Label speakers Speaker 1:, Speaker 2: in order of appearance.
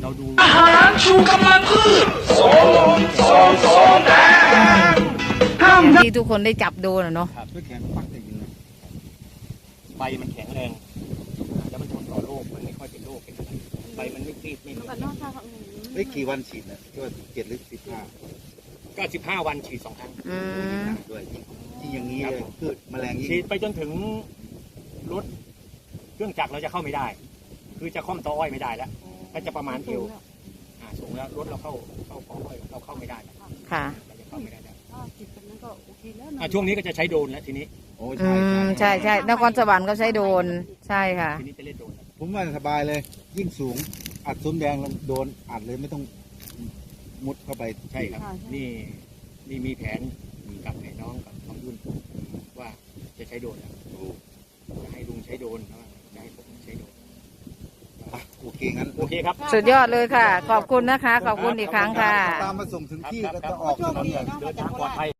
Speaker 1: เราดู
Speaker 2: อาหารชูกำลังพืชโสมแดง
Speaker 3: ที่ทุกคนได้จับดูนะเนาะ
Speaker 1: ด้วยแขนปักติดอยู่นะใบมันแข็งแรงแล้วมันทนต่อโรคมันไม่ค่อยเป็นโรคเป็นอะไรใบมันไม่ตีดไม่เหนียว
Speaker 4: เฮ้ยกี่วันฉีดนะที่ว่า7 หรือ 15
Speaker 1: ก็15 วันฉีด2 ครั้ง
Speaker 4: ด้วยที่อย่างนี้เลยพืชแมลง
Speaker 1: ฉีดไปจนถึงรถเครื่องจักรเราจะเข้าไม่ได้ คือจะค่อมตออ้อยไม่ได้แล้วก็จะประมาณเอวสูงแล้วรถเราเข้าปออ้อยเราเข้าไม่ได้
Speaker 3: ค่ะ
Speaker 1: เราจะเข้าไม่ได้แล้วช่วงนี้ก็จะใช้โดรนแล้วทีนี้
Speaker 4: โอ้
Speaker 3: ใช่นครสวรรค์ก็ใช้โดรนใช่ค่ะ
Speaker 1: ทีนี้จะเล่นโดรน
Speaker 4: ผมว่าสบายเลยยิ่งสูงอัดซุ้มแดงแล้วโดนอัดเลยไม่ต้องมุดเข้าไป
Speaker 1: ใช่ครับนี่มีแผนกับน้องกับยุ่นว่าจะใช้โดรนแล้วจะให้ลุงใช้โดรนจะให้ผมใช้โดรน
Speaker 4: โอเคงั้น
Speaker 1: โอเคครับ
Speaker 3: สุดยอดเลยค่ะขอบคุณนะคะขอบคุณอีกครั้งค่ะ
Speaker 4: ตามมาส่งถึงที่แล้วจะออกถนน
Speaker 1: เดินทางปลอดภัย